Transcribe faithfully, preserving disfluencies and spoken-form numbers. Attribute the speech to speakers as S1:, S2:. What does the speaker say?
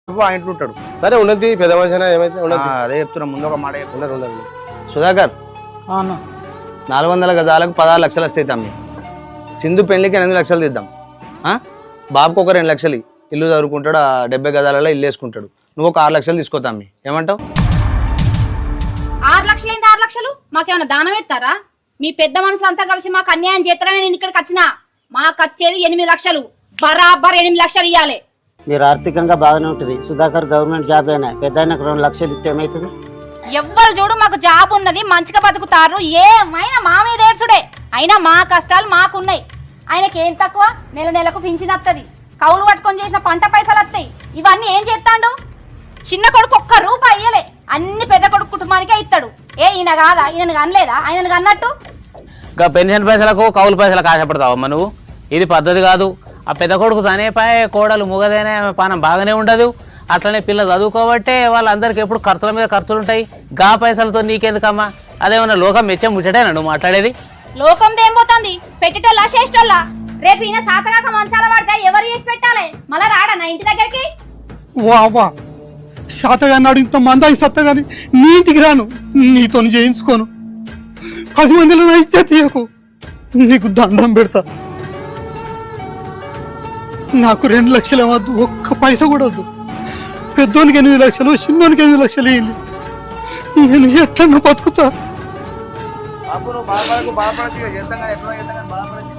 S1: ఆ ఇంట్లో ఉంటాడు.
S2: సరే ఉన్నది పెద్ద మనిషి ఏమైతే ఉన్నది.
S1: అదే చెప్తున్నా, ముందు ఒక మాట
S2: ఉన్నది ఉన్నది.
S3: సుధాకర్
S4: అన్న
S3: నాలుగు వందల గజాలకు పదహారు లక్షలు వస్తాయి తమ్మి. సింధు పెళ్లికి ఎనిమిది లక్షలు తీద్దాం. బాబుకు ఒక రెండు లక్షలు ఇల్లు చదువుకుంటాడు, ఆ డెబ్బై గజాలలో ఇల్లు వేసుకుంటాడు. నువ్వు ఒక ఆరు లక్షలు తీసుకో తమ్మి, ఏమంటావు?
S5: ఆరు లక్షలు ఏంటి ఆరు లక్షలు? మాకేమైనా దానం ఎత్తారా? మీ పెద్ద మనుషులు అంతా కలిసి మాకు అన్యాయం చేస్తారని నేను ఇక్కడికి వచ్చిన. మాకు వచ్చేది ఎనిమిది లక్షలు, బరాబర్ ఎనిమిది లక్షలు ఇవ్వాలి.
S4: మీరు ఆర్థికంగా బాగానే ఉంటుంది. సుధాకర్ గవర్నమెంట్ జాబ్ అయినా పెద్ద ఆయనకు రెండు లక్షలు ఇస్తే ఏమవుతుంది?
S5: ఎవ్వరు చూడు మాకు జాబ్ ఉన్నది, మంచిగా బతుకుతారు, ఏమైనా మా మీద ఏడ్చుడే. అయినా మా కష్టాలు మాకున్నాయి. ఆయనకి ఏం తక్కువ? నెల నెలకు పింఛన్ వస్తుంది, కౌలు పట్టుకొని చేసిన పంట పైసలు వస్తాయి. ఇవన్నీ ఏం చేస్తాడు? చిన్న కొడుకు ఒక్క రూపాయి ఇయ్యలే, అన్ని పెద్ద కొడుకు కుటుంబానికే ఇస్తాడు. ఏ ఈయన కాదా? ఈయనకు అనలేదా? ఆయనకు అన్నట్టు
S6: ఇంకా పెన్షన్ పైసలకు కౌలు పైసలకు ఆశపడతావమ్మా నువ్వు? ఇది పద్ధతి కాదు. ఆ పెద్ద కొడుకు చనిపోయే కోడలు ముగదేనే పానం బాగానే ఉండదు. అట్లనే పిల్ల చదువుకోబట్టే వాళ్ళందరికీ ఎప్పుడు ఖర్చుల మీద ఖర్చులు ఉంటాయి. గా పైసలతో నీకెందుకమ్మా? అదేమన్నా లోకం మెచ్చం ముచ్చటేనా నువ్వు మాట్లాడేది?
S5: లోకం దేం పోతుంది? పెట్టేటోళ్ళ చేసేటోళ్ళ? రేపు ఈయన సాతగాక మంచాల పడితే ఎవరు చేసి పెట్టాలి? మళ్ళా రాడా నా ఇంటి దగ్గరికి?
S7: వా శాతగాన్నాడు ఇంత మందాయి సత్తా కానీ నీ ఇంటికి రాను, నీతో చేయించుకోను. పది మందిలో నా ఇచ్చే తీయకు, నీకు దండం పెడతా. నాకు రెండు లక్షలు వద్దు, ఒక్క పైస కూడా వద్దు. పెద్దోనికి ఎనిమిది లక్షలు, చిన్నోనికి ఎనిమిది లక్షలు వేయండి. నేను ఎట్లన్నా బతుకుతా.
S1: బాబు నువ్వు బాధపడకు, బాధపడచ్చు, చేస్తాం కానీ ఎట్లా చేస్తాం కానీ బాధపడచ్చు.